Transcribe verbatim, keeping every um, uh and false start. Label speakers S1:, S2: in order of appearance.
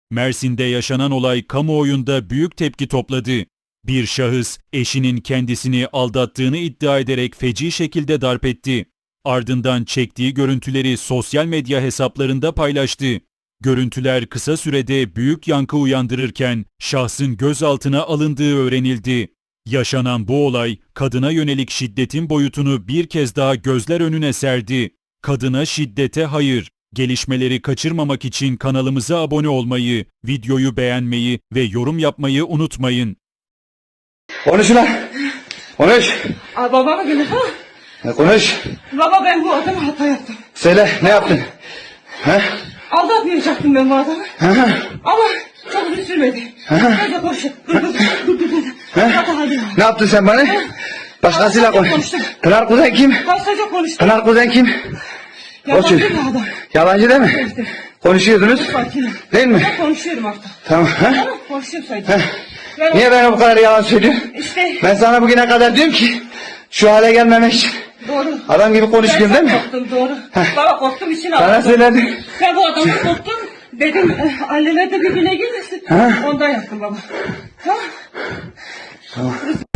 S1: Mersin'de yaşanan olay kamuoyunda büyük tepki topladı. Bir şahıs eşinin kendisini aldattığını iddia ederek feci şekilde darp etti. Ardından çektiği görüntüleri sosyal medya hesaplarında paylaştı. Görüntüler kısa sürede büyük yankı uyandırırken şahsın gözaltına alındığı öğrenildi. Yaşanan bu olay kadına yönelik şiddetin boyutunu bir kez daha gözler önüne serdi. Kadına şiddete hayır. Gelişmeleri kaçırmamak için kanalımıza abone olmayı, videoyu beğenmeyi ve yorum yapmayı unutmayın.
S2: Konuş ulan. Konuş.
S3: Aa, babama gelin ha.
S2: Ya konuş.
S3: Baba ben bu adama hata yaptım.
S2: Söyle ne yaptın? He?
S3: Aldatmayacaktım ben bu adamı.
S2: Hı hı.
S3: Ama çok uzun sürmedi.
S2: Hı hı.
S3: Ben de koştum. Dur dur dur dur dur.
S2: He?
S3: Hadi hadi.
S2: Ne yaptın sen bana? Başkasıyla konuş.
S3: Konuştum.
S2: Pınar Kuzen kim?
S3: Kastaca konuştum.
S2: Pınar Kuzen kim?
S3: Yabancı
S2: O
S3: bir adam.
S2: Yalancı değil mi?
S3: Evet.
S2: Konuşuyordunuz.
S3: Sakinim.
S2: Değil mi?
S3: Ben konuşuyorum artık.
S2: Tamam. He?
S3: Tamam konuşuyorum sadece.
S2: He?
S3: Ben
S2: Niye bana bu kadar yalan söylüyorsun?
S3: İşte
S2: Ben sana bugüne kadar diyorum ki şu hale gelmemek için
S3: doğru.
S2: adam gibi konuşuyorum değil
S3: Ben
S2: mi?
S3: korktum doğru. Baba korktum için
S2: Sana
S3: aldım.
S2: söyledim.
S3: Ben bu adamı korktum. Dedim eh, anneler de birbirine girmesin.
S2: Ha?
S3: Ondan yaptım baba. Tamam.
S2: Tamam.